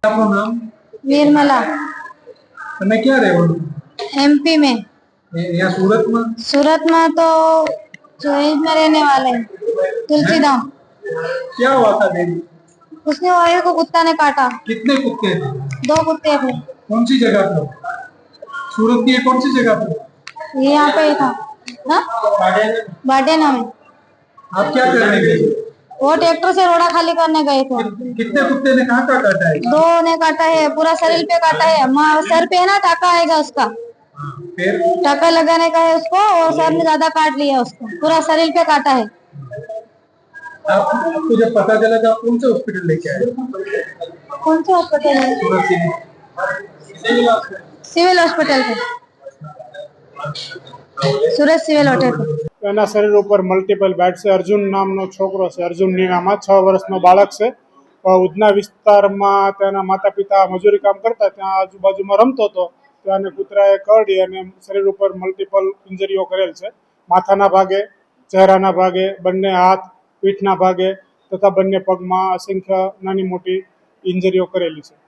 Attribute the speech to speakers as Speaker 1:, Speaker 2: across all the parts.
Speaker 1: आपको नाम?
Speaker 2: निर्मला।
Speaker 1: તમે ક્યાં રહેવાનું?
Speaker 2: एमपी में।
Speaker 1: यहाँ सूरत में?
Speaker 2: सूरत में तो चोइस में रहने वाले हैं, तुलसीधाम।
Speaker 1: क्या हुआ था देवी?
Speaker 2: उसने वायु को कुत्ता ने काटा।
Speaker 1: कितने कुत्ते थे?
Speaker 2: 2 कुत्ते थे।
Speaker 1: कौन सी जगह पर? सूरत की कौन सी जगह पर?
Speaker 2: ये यहाँ पे ही था ना, बाडेना में।
Speaker 1: आप क्या करने गए?
Speaker 2: वो ट्रैक्टर से रोड़ा खाली करने गए थे।
Speaker 1: कितने कुत्ते ने कहाँ का काटा है?
Speaker 2: 2 ने काटा है, पूरा शरीर पे काटा है। सर पे है ना टाका आएगा उसका,
Speaker 1: फिर
Speaker 2: टाका लगाने का है उसको, और सर में ज्यादा काट लिया उसको, पूरा शरीर पे काटा है।
Speaker 1: आपको जब पता चला तो आप कौन से हॉस्पिटल लेके आए?
Speaker 2: कौन सा हॉस्पिटल है?
Speaker 1: सूरत
Speaker 2: सिविल हॉस्पिटल पे, सूरत सिविल હોટેલ।
Speaker 3: એના શરીર ઉપર મલ્ટિપલ બાઇટ છે। અર્જુન નામનો છોકરો છે, અર્જુન નીનામાં 6 વર્ષનો બાળક છે। ઉધના વિસ્તારમાં તેના માતા પિતા મજૂરી કામ કરતા, ત્યાં આજુબાજુમાં રમતો હતો, ત્યાં કૂતરાએ કરડી અને શરીર ઉપર મલ્ટિપલ ઇન્જરીઓ કરેલ છે। માથાના ભાગે, ચહેરાના ભાગે, બંને હાથ, પીઠના ભાગે તથા બંને પગમાં અસંખ્ય નાની મોટી ઇન્જરીઓ કરેલી છે।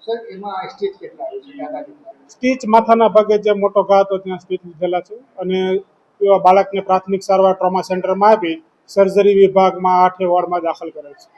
Speaker 3: સ્ટીચ માથાના ભાગે જે મોટો ઘા હતો ત્યાં સ્ટીચ લીધેલા છે અને બાળકને પ્રાથમિક સારવાર ટ્રોમા સેન્ટરમાં આપી સર્જરી વિભાગમાં 8 વોર્ડમાં દાખલ કરેલ છે।